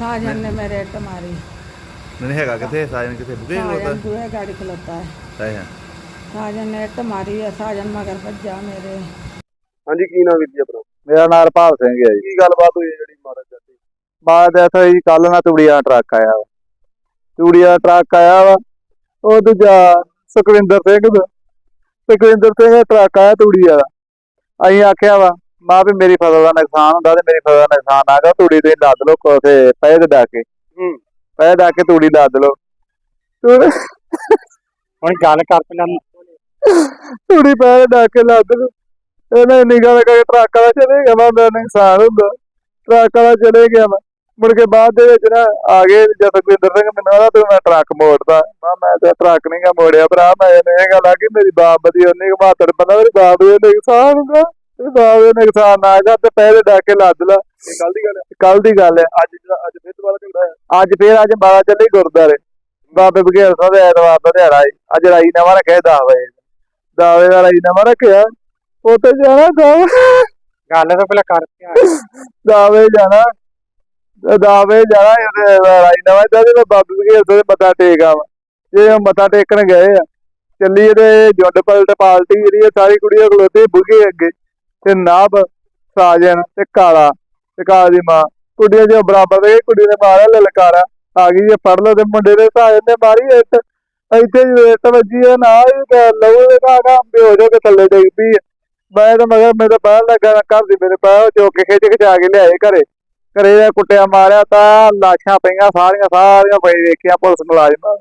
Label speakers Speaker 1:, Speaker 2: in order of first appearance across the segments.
Speaker 1: साजन ने मेरे इट मारी।
Speaker 2: नहीं हैगा किथे साजन किथे बुके
Speaker 1: साजन दूहे गाड़ी खलोता है।
Speaker 2: है है
Speaker 1: साजन ने इट मारी है, साजन मगर भज्जा मेरे।
Speaker 3: ਹਾਂਜੀ ਕੀ ਨਾਮ ਵੀਰ ਜੀ ਆਪਣਾ?
Speaker 4: ਮੇਰਾ ਨਾਮ ਭਾਵ ਸਿੰਘ ਹੈ ਜੀ।
Speaker 3: ਕੀ ਗੱਲਬਾਤ ਹੋਈ ਹੈ ਜਿਹੜੀ ਮਾਰਨ ਜਾਂਦੀ?
Speaker 4: ਬਾਅਦ ਐਸਾ ਜੀ ਕੱਲ ਨਾ ਤੂੜੀਆਂ ਟਰੱਕ ਆਇਆ ਵਾ, ਤੂੜੀਆਂ ਟਰੱਕ ਆਇਆ ਵਾ, ਉਹ ਦੂਜਾ ਸੁਖਵਿੰਦਰ ਸਿੰਘ ਦਾ ਟਰੱਕ ਆਇਆ ਤੂੜੀ ਵਾਲਾ। ਅਸੀਂ ਆਖਿਆ ਵਾ ਮਾਂ ਵੀ ਮੇਰੀ ਫਸਲ ਦਾ ਨੁਕਸਾਨ ਹੁੰਦਾ ਤੇ ਮੇਰੀ ਫਸਲ ਦਾ ਨੁਕਸਾਨ ਆ ਗਿਆ, ਤੂੜੀ ਤੁਸੀਂ ਲੱਦ ਲਓ ਕੋਸੇ ਪੈ ਦੇ ਡਾ ਕੇ ਤੂੜੀ ਲੱਦ ਲਓ।
Speaker 3: ਹੁਣ ਗੱਲ ਕਰ ਪਹਿਲਾਂ।
Speaker 4: ਤੂੜੀ ਪੈ ਦੇ ਡਾ ਕੇ ਲੱਦ ਲਓ। ਇਹਨੇ ਇੰਨੀ ਗੱਲ ਕਰਕੇ ਟਰੱਕ ਵਾਲਾ ਚਲੇ ਗਿਆ ਵਾ, ਮੇਰਾ ਨੁਕਸਾਨ ਹੁੰਦਾ। ਟਰੱਕ ਵਾਲਾ ਚਲੇ ਗਿਆ ਵਾ, ਮੁੜ ਕੇ ਬਾਅਦ ਦੇ ਵਿੱਚ ਨਾ ਆ ਗਏ ਜਸਵਿੰਦਰ ਸਿੰਘ, ਮੈਨੂੰ ਆਦਾ ਤੂੰ ਮੈਂ ਟਰੱਕ ਮੋੜਦਾ। ਮੈਂ ਤਾਂ ਟਰੱਕ ਨਹੀਂ ਗਾ ਮੋੜਿਆ ਭਰਾ, ਮੈਂ ਇਹ ਗੱਲ ਆ ਕਿ ਮੇਰੀ ਬਾਪ ਦੀ ਉਨੀ ਬਹਾਦਰ ਬੰਦਾ, ਮੇਰੀ ਬਾਪ ਦੇ ਨੁਕਸਾਨ ਹੁੰਦਾ, ਬਾਪ ਦੇ ਨੁਕਸਾਨ ਨਾ ਜਾ ਤੇ ਪੈਸੇ ਡਾ ਕੇ ਲੱਦ ਲਾ।
Speaker 3: ਇਹ ਕੱਲ ਦੀ ਗੱਲ ਹੈ?
Speaker 4: ਕੱਲ ਦੀ ਗੱਲ ਹੈ।
Speaker 3: ਅੱਜ ਫਿਰ ਦੁਬਾਰਾ ਝਗੜਾ ਹੈ?
Speaker 4: ਅੱਜ ਮਾਰਾ ਚੱਲੇ ਗੁਰਦੁਆਰੇ ਬਾਬੇ ਬਘੇਲ ਸਾਹਿਬ ਦੇ ਐਤਵਾਰ ਦਾ ਦਿਹਾੜਾ ਹੈ। ਅੱਜ ਰਾਈ ਨਵਾਂ ਰੱਖਿਆ 10 ਵਜੇ, 10 ਵਜੇ ਦਾ ਰਾਈ ਨਵਾਂ ਰੱਖਿਆ। ਉੱਥੇ ਜਾਣਾ ਗੱਲ
Speaker 3: ਤਾਂ ਪਹਿਲਾਂ ਕਰਕੇ
Speaker 4: 10 ਵਜੇ ਜਾਣਾ, 10 ਵਜੇ ਜਾਣਾ ਰਾਈ ਨਵਾਂ ਦਾ ਬਾਬੇ ਬਘੇਲ ਸਾਹਿਬ ਦੇ ਮੱਥਾ ਟੇਕ ਆਵਾ। ਜੇ ਮੱਥਾ ਟੇਕਣ ਗਏ ਆ ਚੱਲੀ ਤੇ ਜੁੰਡ ਪਲਟ ਪਾਲਟੀ ਜਿਹੜੀ ਸਾਰੀ ਕੁੜੀਆਂ ਖਲੋਤੀ ਬੁਗੇ ਅੱਗੇ ਤੇ ਨਾਭ ਸਾਜਨ ਤੇ ਕਾਲਾ ਦੀ ਮਾਂ, ਕੁੜੀਆਂ ਜੋ ਬਰਾਬਰ ਦੇ ਕੁੜੀ ਨੇ ਮਾਰਿਆ ਲਲਕਾਰਾ ਆ ਗਈ ਜੇ ਫੜ ਲਓ ਤੇ ਮੁੰਡੇ ਦੇ ਸਾਜਨ ਨੇ ਮਾਰੀ ਇੱਟ, ਇੱਥੇ ਇੱਟ ਵੱਜੀ ਆ ਨਾ ਲਹੂ ਦੇ ਘਾਗਾ ਬੇਹੋਸ਼ ਹੋ ਕੇ ਥੱਲੇ ਡਿੱਗ ਪਈ। ਮੈਂ ਤਾਂ ਮਗਰ ਮੇਰੇ ਬਾਹਰ ਲੱਗਾ ਘਰ ਦੀ ਮੇਰੇ ਬਾਹਰ ਚੁੱਕ ਕੇ ਖਿਚਾ ਕੇ ਲਿਆਏ ਘਰੇ ਕੁੱਟਿਆ ਮਾਰਿਆ ਤਾਂ ਲਾਸ਼ਾਂ ਪਈਆਂ ਸਾਰੀਆਂ ਪਈ ਵੇਖੀਆਂ ਪੁਲਿਸ ਮੁਲਾਜ਼ਮਾਂ।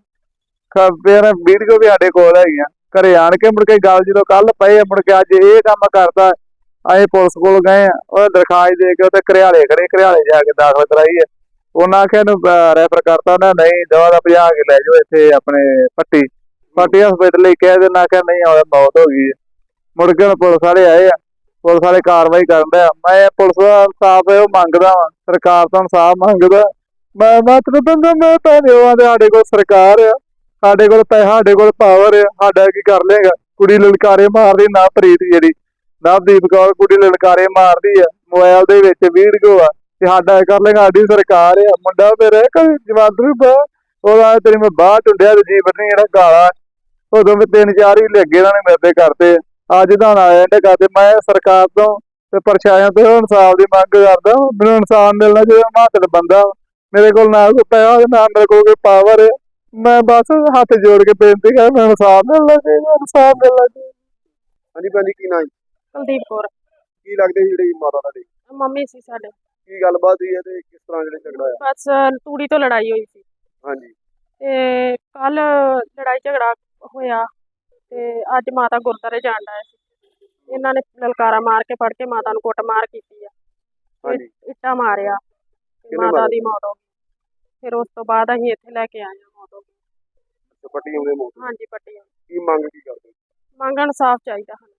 Speaker 4: ਫਿਰ ਵੀਡੀਓ ਵੀ ਸਾਡੇ ਕੋਲ ਹੈਗੀਆਂ। ਘਰੇ ਆਣ ਕੇ ਮੁੜ ਕੇ ਗੱਲ ਜਦੋਂ ਕੱਲ ਪਏ ਮੁੜ ਕੇ ਅੱਜ ਇਹ ਕੰਮ ਕਰਦਾ। ਅਸੀਂ ਪੁਲਿਸ ਕੋਲ ਗਏ ਆ, ਉਹ ਦਰਖਾਸਤ ਦੇ ਕੇ ਉੱਥੇ ਘਰਿਆਲੇ ਜਾ ਕੇ ਦਾਖਲ ਕਰਾਈ ਹੈ। ਉਹਨਾਂ ਆਖਿਆ ਇਹਨੂੰ ਰੈਫਰ ਕਰਤਾ, ਉਹਨੇ ਨਹੀਂ ਦਵਾ ਦਾ ਭਜਾ ਕੇ ਲੈ ਜਾਓ ਇੱਥੇ ਆਪਣੇ ਪੱਟੀ ਹਸਪੀਟਲ ਲਈ ਕਹਿ ਦੇਣਾ ਕਿ ਨਹੀਂ ਆਉਂਦਾ ਮੌਤ ਹੋ ਗਈ ਹੈ। ਮੁੜ ਕੇ ਹੁਣ ਪੁਲਿਸ ਵਾਲੇ ਆਏ ਆ, ਪੁਲਿਸ ਵਾਲੇ ਕਾਰਵਾਈ ਕਰਨ ਡਿਆ। ਮੈਂ ਪੁਲਿਸ ਦਾ ਇਨਸਾਫ ਉਹ ਮੰਗਦਾ ਵਾ, ਸਰਕਾਰ ਤੋਂ ਇਨਸਾਫ ਮੰਗਦਾ। ਮੈਂ ਮਤਲਬ ਬੰਦਾ ਮੈਂ ਧੰਨਵਾਦ ਸਾਡੇ ਕੋਲ ਸਰਕਾਰ ਆ, ਸਾਡੇ ਕੋਲ ਪੈਸਾ, ਸਾਡੇ ਕੋਲ ਪਾਵਰ ਆ, ਸਾਡਾ ਕੀ ਕਰ ਲੇਗਾ। ਕੁੜੀ ਲਲਕਾਰੇ ਮਾਰਦੀ ਨਾ ਪ੍ਰੀਤ ਜਿਹੜੀ ਨਵਦੀਪ ਕੌਰ ਕੁੜੀ ਲਲਕਾਰੇ ਮਾਰਦੀ ਆ, ਮੋਬਾਈਲ ਦੇ ਵਿੱਚ ਵੀਡੀਓ ਆ ਤੇ ਸਾਡਾ ਕਰ ਲੇਗਾ। ਸਾਡੀ ਸਰਕਾਰ ਆ, ਮੁੰਡਾ ਮੇਰਾ ਕਦੇ ਜਵਾਦਰੂ ਬਾ ਉਹਦਾ ਤੇਰੀ ਮੈਂ ਬਾਹ ਟੁੰਡਿਆ ਤੇ ਜੀਵਨ ਨੀ ਜਿਹੜਾ ਗਾਲਾ ਉਦੋਂ ਵੀ 3-4 ਹੀ ਲੱਗੇ ਇਹਨਾਂ ਨੇ ਮੇਰੇ ਕਰਦੇ। ਅੱਜ ਤਾਂ ਆਇਆ ਕਰਦੇ। ਮੈਂ ਸਰਕਾਰ ਤੋਂ ਤੇ ਪ੍ਰਸ਼ਾਸਨ ਤੋਂ ਇਨਸਾਫ ਦੀ ਮੰਗ ਕਰਦਾ। ਮੈਨੂੰ ਇਨਸਾਫ ਮਿਲਣਾ ਚਾਹੀਦਾ। ਮਾਤੜ ਬੰਦਾ ਮੇਰੇ ਕੋਲ ਨਾ ਕੋਈ ਪੈਸਾ ਨਾ ਮੇਰੇ ਕੋਲ ਕੋਈ ਪਾਵਰ ਹੈ। ਮੈਂ ਬਸ ਹੱਥ ਜੋੜ ਕੇ ਬੇਨਤੀ ਕਰ, ਮੈਨੂੰ ਇਨਸਾਫ ਮਿਲਣਾ ਚਾਹੀਦਾ।
Speaker 3: ਹਾਂਜੀ ਭੈਣ ਜੀ ਕੀ ਨਾਮ?
Speaker 5: ਕੁਲਦੀਪ ਕੌਰ।
Speaker 3: ਕੀ ਲੱਗਦੇ ਸੀ ਜਿਹੜੀ ਮਾਤਾ ਤੁਹਾਡੀ?
Speaker 5: ਮੰਮੀ ਸੀ ਸਾਡੇ।
Speaker 3: ਕੀ ਗੱਲਬਾਤ ਹੋਈ ਹੈ ਤੇ ਕਿਸ ਤਰ੍ਹਾਂ ਜਿਹੜੇ ਝਗੜਾ ਹੋਇਆ?
Speaker 5: ਬਸ ਤੂੜੀ ਤੋਂ ਲੜਾਈ ਹੋਈ ਸੀ
Speaker 3: ਹਾਂਜੀ
Speaker 5: ਤੇ ਕੱਲ ਲੜਾਈ ਝਗੜਾ ਹੋਇਆ ਤੇ ਅੱਜ ਮਾਤਾ ਗੁਰਦਾਰੇ ਜਾਣ ਡਏ ਸੀ। ਇਹਨਾਂ ਨੇ ਲਲਕਾਰਾ ਮਾਰ ਕੇ ਫੜ ਕੇ ਮਾਤਾ ਨੂੰ ਕੁੱਟਮਾਰ ਕੀਤੀ ਆ,
Speaker 3: ਹਾਂਜੀ
Speaker 5: ਇੱਟਾਂ ਮਾਰਿਆ, ਮਾਤਾ ਦੀ ਮੌਤ ਹੋ ਗਈ। ਫਿਰ ਉਸ ਤੋਂ ਬਾਅਦ ਅਸੀਂ ਇੱਥੇ ਲੈ ਕੇ ਆਏ ਹਾਂ, ਮੌਤ ਹੋ ਗਈ।
Speaker 3: ਪੱਟੀ ਹੋ ਗਈ ਮੌਤ?
Speaker 5: ਹਾਂਜੀ ਪੱਟੀ।
Speaker 3: ਕੀ ਮੰਗ ਕੀ ਕਰਦੇ?
Speaker 5: ਮੰਗਣ ਇਨਸਾਫ ਚਾਹੀਦਾ ਸਾਨੂੰ।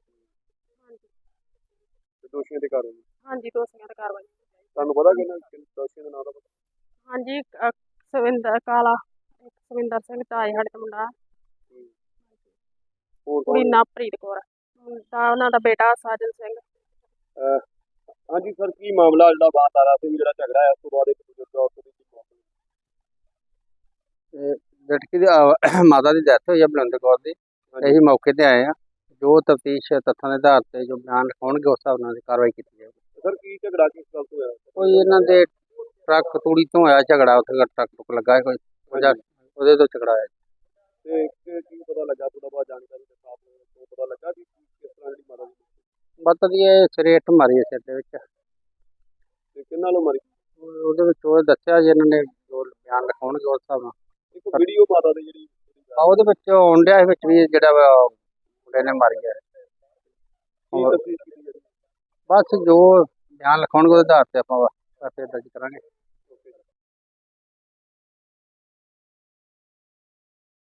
Speaker 5: ਹਾਂਜੀ
Speaker 3: ਦੋਸ਼ੀਆਂ ਦੇ ਕਾਰਵਾਈ?
Speaker 5: ਹਾਂਜੀ ਦੋਸ਼ੀਆਂ ਤੇ ਕਾਰਵਾਈ।
Speaker 3: ਤੁਹਾਨੂੰ ਪਤਾ ਕਿ ਦੋਸ਼ੀਆਂ ਦਾ ਨਾਮ ਦਾ ਪਤਾ?
Speaker 5: ਹਾਂਜੀ ਸਵਿੰਦਰ ਸਿੰਘ ਤਾਏ ਸਾਡੇ ਦਾ ਮੁੰਡਾ,
Speaker 3: ਹੋਰ
Speaker 5: ਕੁੜੀ
Speaker 3: ਕੌਣ?
Speaker 5: ਨਵਪ੍ਰੀਤ ਕੌਰ, ਮੁੰਡਾ ਉਹਨਾਂ ਦਾ ਬੇਟਾ ਸਾਜਨ ਸਿੰਘ।
Speaker 3: ਹਾਂਜੀ ਸਰ, ਕੀ ਮਾਮਲਾ ਜਿਹੜਾ ਬਾਤਾਰਾ ਸਿੰਘ ਜਿਹੜਾ ਝਗੜਾ ਹੈ ਉਸ ਤੋਂ ਬਾਅਦ ਇੱਕ ਬਜ਼ੁਰਗ ਔਰਤ ਦੀ ਮੌਤ ਹੋਈ?
Speaker 6: ਲੜਕੀ ਦੀ ਮਾਤਾ ਦੀ ਡੈਥ ਹੋਈ ਹੈ ਬਲਵਿੰਦਰ ਕੌਰ ਦੀ। ਅਸੀਂ ਮੌਕੇ ਤੇ ਆਏ ਆ, ਜੋ ਤਫਤੀਸ਼ ਤੱਥਾਂ ਦੇ ਆਧਾਰ ਤੇ ਜੋ ਬਿਆਨ ਲਿਖਾਉਣਗੇ ਉਸ ਹਿਸਾਬ ਨਾਲ ਕਾਰਵਾਈ ਕੀਤੀ ਜਾਵੇਗੀ।
Speaker 3: ਸਰ ਕੀ ਝਗੜਾ ਕਿਸ ਗੱਲ ਤੋਂ ਹੋਇਆ?
Speaker 6: ਕੋਈ ਇਹਨਾਂ ਦੇ ਟਰੱਕ ਤੂੜੀ ਤੋਂ ਹੋਇਆ ਝਗੜਾ, ਉੱਥੇ ਟਰੱਕ ਲੱਗਾ ਕੋਈ ਉਹਦੇ ਤੋਂ ਝਗੜਾ ਹੋਇਆ।
Speaker 3: ਤੇ ਕੀ ਪਤਾ ਲੱਗਾ ਥੋੜਾ ਬਹੁਤ ਜਾਣਕਾਰੀ ਦੇ ਸਾਥ ਤੋਂ ਪਤਾ ਲੱਗਾ ਕਿ ਕਿਸ ਤਰ੍ਹਾਂ ਜਿਹੜੀ ਮਾਤਾ ਦੀ
Speaker 6: ਮਤਲਬ ਇਹ ਸਿਰੇ ਇੱਟ ਮਾਰੀ ਹੈ ਸਿਰ ਦੇ ਵਿੱਚ।
Speaker 3: ਤੇ ਕਿੰਨਾਂ ਨੂੰ ਮਾਰੀ?
Speaker 6: ਉਹਦੇ ਵਿੱਚ ਉਹ ਦੱਸਿਆ ਜੀ ਇਹਨਾਂ ਨੇ ਜੋ ਬਿਆਨ ਲਿਖਾਉਣਗੇ ਉਸ ਹਿਸਾਬ ਨਾਲ।
Speaker 3: ਇੱਕ ਵੀਡੀਓ ਮਾਤਾ ਦੀ ਜਿਹੜੀ
Speaker 6: ਉਹਦੇ ਵਿੱਚ ਆਉਣ ਡਿਆ ਵਿੱਚ ਵੀ ਜਿਹੜਾ ਮੁੰਡੇ ਨੇ ਮਾਰੀ ਹੈ।
Speaker 3: ਕੀ ਤਸਦੀਕ ਕੀਤੀ ਜਾਂਦੀ?
Speaker 6: ਬਸ ਜੋ ਬਿਆਨ ਲਿਖਾਉਣਗੇ ਉਹਦੇ ਆਧਾਰ ਤੇ ਆਪਾਂ ਦਰਜ ਕਰਾਂਗੇ।